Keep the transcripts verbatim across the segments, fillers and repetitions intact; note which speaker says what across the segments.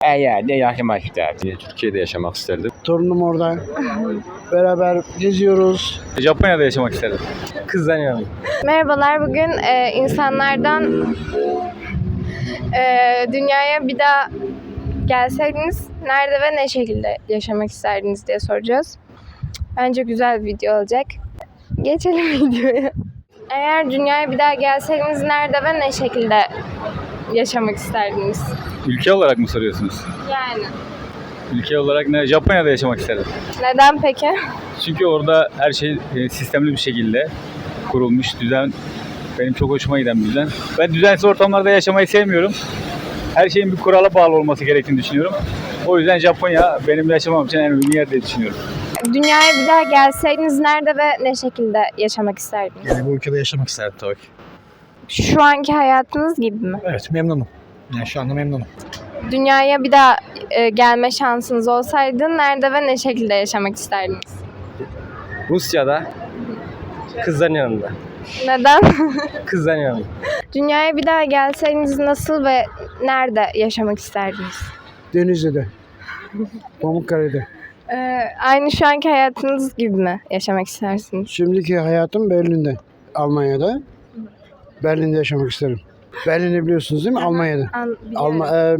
Speaker 1: Her yerde yaşamak isterdim. Türkiye'de yaşamak isterdim.
Speaker 2: Torunum orada. Beraber geziyoruz.
Speaker 1: Japonya'da yaşamak isterdim. Kızlanıyorum.
Speaker 3: Merhabalar, bugün e, insanlardan e, dünyaya bir daha gelseydiniz nerede ve ne şekilde yaşamak isterdiniz diye soracağız. Bence güzel bir video olacak. Geçelim videoya. Eğer dünyaya bir daha gelseydiniz nerede ve ne şekilde yaşamak isterdiniz?
Speaker 1: Ülke olarak mı soruyorsunuz?
Speaker 3: Yani.
Speaker 1: Ülke olarak ne? Japonya'da yaşamak isterdim.
Speaker 3: Neden peki?
Speaker 1: Çünkü orada her şey e, sistemli bir şekilde kurulmuş. Düzen benim çok hoşuma giden bir düzen. Ben düzensiz ortamlarda yaşamayı sevmiyorum. Her şeyin bir kurala bağlı olması gerektiğini düşünüyorum. O yüzden Japonya benim yaşamam için en uygun yer diye düşünüyorum.
Speaker 3: Dünyaya bir daha gelseydiniz nerede ve ne şekilde yaşamak isterdiniz?
Speaker 4: Yani bu ülkede yaşamak isterdim tabii ki.
Speaker 3: Şu anki hayatınız gibi mi?
Speaker 4: Evet, memnunum. Yani şu anda memnunum.
Speaker 3: Dünyaya bir daha e, gelme şansınız olsaydı nerede ve ne şekilde yaşamak isterdiniz?
Speaker 5: Rusya'da kızların yanında.
Speaker 3: Neden?
Speaker 5: Kızların yanında.
Speaker 3: Dünyaya bir daha gelseydiniz nasıl ve nerede yaşamak isterdiniz?
Speaker 2: Denizli'de. Pamukkale'de.
Speaker 3: Ee, aynı şu anki hayatınız gibi mi yaşamak istersiniz?
Speaker 2: Şimdiki hayatım Berlin'de. Almanya'da. Berlin'de yaşamak isterim. Berlin'i biliyorsunuz değil mi? Almanya'da.
Speaker 3: An-
Speaker 2: Alma, e,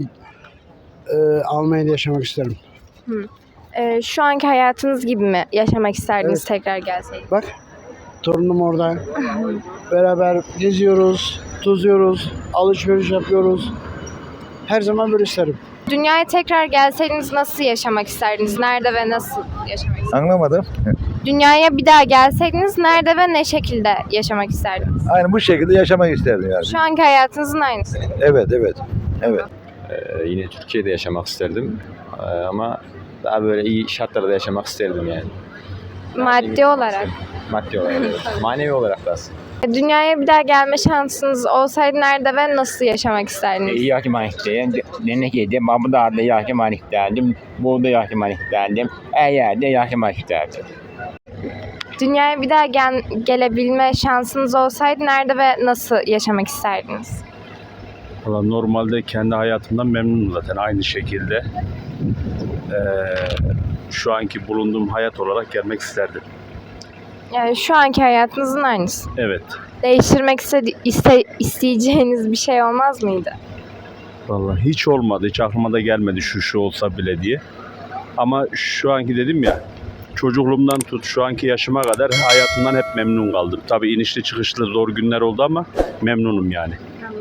Speaker 2: e, Almanya'da yaşamak isterim.
Speaker 3: Ee, şu anki hayatınız gibi mi yaşamak isterdiniz
Speaker 2: Evet.
Speaker 3: tekrar gelseydiniz?
Speaker 2: Bak, torunum orada. Beraber geziyoruz, tozuyoruz, alışveriş yapıyoruz. Her zaman böyle isterim.
Speaker 3: Dünyaya tekrar gelseydiniz nasıl yaşamak isterdiniz? Nerede ve nasıl yaşamak isterdiniz?
Speaker 6: Anlamadım.
Speaker 3: Dünyaya bir daha gelseydiniz nerede ve ne şekilde yaşamak isterdiniz?
Speaker 6: Aynı bu şekilde yaşamak isterdim yani.
Speaker 3: Şu anki hayatınızın aynısı.
Speaker 6: Evet, evet, evet.
Speaker 1: Ee, yine Türkiye'de yaşamak isterdim. Ee, ama daha böyle iyi şartlarda yaşamak isterdim yani.
Speaker 3: Maddi olarak.
Speaker 1: Maddi olarak. Evet. Manevi olarak da aslında.
Speaker 3: Dünyaya bir daha gelme şansınız olsaydı nerede ve nasıl yaşamak isterdiniz?
Speaker 1: Yaşamak isterdim. Nenekede, Babıdağ'da yaşamak isterdim. Burada yaşamak isterdim. Her yerde yaşamak isterdim.
Speaker 3: Dünyaya bir daha gel- gelebilme şansınız olsaydı nerede ve nasıl yaşamak isterdiniz?
Speaker 7: Valla normalde kendi hayatımdan memnunum zaten aynı şekilde. Ee, şu anki bulunduğum hayat olarak gelmek isterdim.
Speaker 3: Yani şu anki hayatınızın aynısı.
Speaker 7: Evet.
Speaker 3: Değiştirmek iste- iste- isteyeceğiniz bir şey olmaz mıydı?
Speaker 7: Valla hiç olmadı. Hiç aklıma da gelmedi şu şu olsa bile diye. Ama şu anki dedim ya, çocukluğumdan tut şu anki yaşıma kadar hayatımdan hep memnun kaldım. Tabii inişli çıkışlı zor günler oldu ama memnunum yani.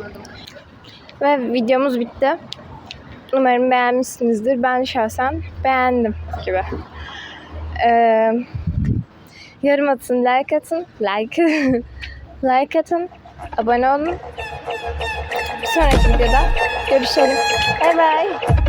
Speaker 3: Ve videomuz bitti. Umarım beğenmişsinizdir. Ben şahsen beğendim gibi. Ee, yorum atın, like atın, like like atın, abone olun. Bir sonraki videoda görüşelim. Bye bye.